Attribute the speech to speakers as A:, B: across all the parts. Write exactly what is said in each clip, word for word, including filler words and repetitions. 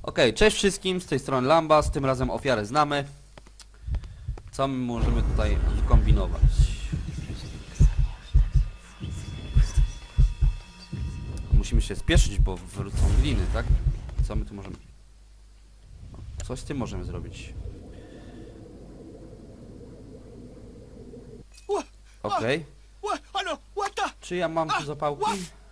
A: Okej, okay, cześć wszystkim, z tej strony Lambas, tym razem ofiarę znamy. Co my możemy tutaj kombinować? Musimy się spieszyć, bo wrócą gliny, tak? Co my tu możemy... Coś z tym możemy zrobić. Okej. Okay. Czy ja mam tu zapałki?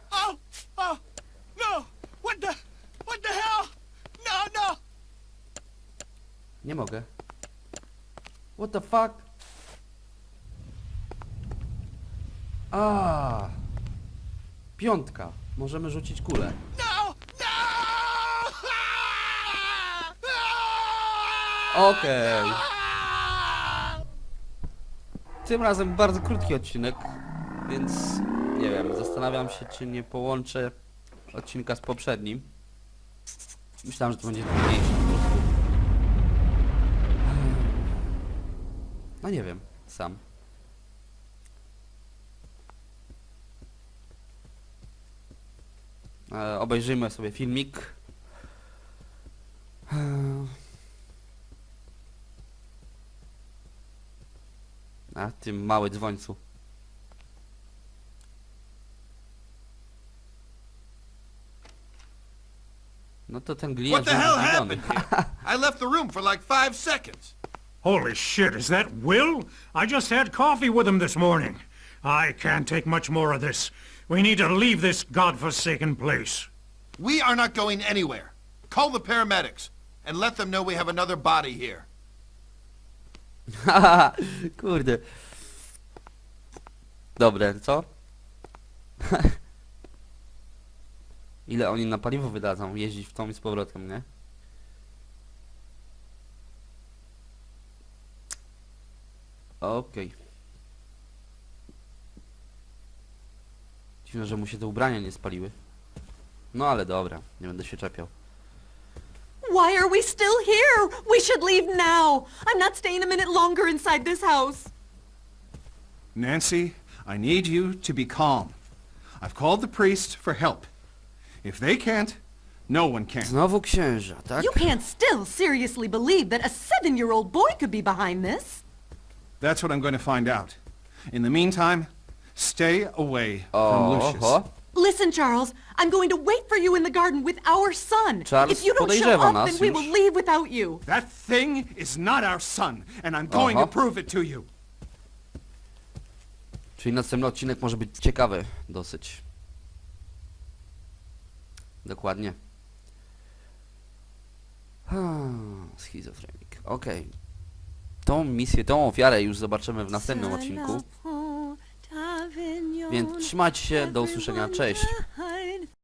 A: Nie mogę. What the fuck? A, piątka. Możemy rzucić kulę. Okej. Okay. Tym razem bardzo krótki odcinek, więc nie wiem, zastanawiam się, czy nie połączę odcinka z poprzednim. Myślałem, że to będzie trudniejsze po prostu. No nie wiem, sam. E, obejrzyjmy sobie filmik. A, tym mały dzwońcu. No to ten gliniarz...
B: What the hell happened here? I left the room for like five seconds.
C: Holy shit, is that Will? I just had coffee with him this morning. I can't take much more of this. We need to leave this godforsaken place.
B: We are not going anywhere. Call the paramedics and let them know we have another body here.
A: Haha, kurde. Dobre, co? Ile oni na paliwo wydadzą jeździć w tą i z powrotem, nie? Okej. Okay. Dziwne, że mu się te ubrania nie spaliły. No ale dobra, nie będę się czepiał.
D: Why are we still here? We should leave now. I'm not staying a minute longer inside this house.
E: Nancy, I need you to be calm. I've called the priest for help. If they can't, no one can.
A: Znowu księża, tak?
D: You can't still seriously believe that a seven-year-old boy could be behind this.
E: That's what I'm going to find out. In the meantime, stay away from Lucius.
A: Oho.
D: Listen, Charles, I'm going to wait for you in the garden with our son.
A: Charles
D: If you don't show
A: podejrzewa
D: up,
A: nas
D: then we
A: już.
D: will leave without you.
E: That thing is not our son, and I'm going
A: Aha.
E: to prove it to you.
A: Czyli następny odcinek może być ciekawy dosyć. Dokładnie. Hmm, schizofrenik. Okej. Okay. Tą misję, tą ofiarę już zobaczymy w następnym odcinku. Więc trzymajcie się, do usłyszenia, cześć.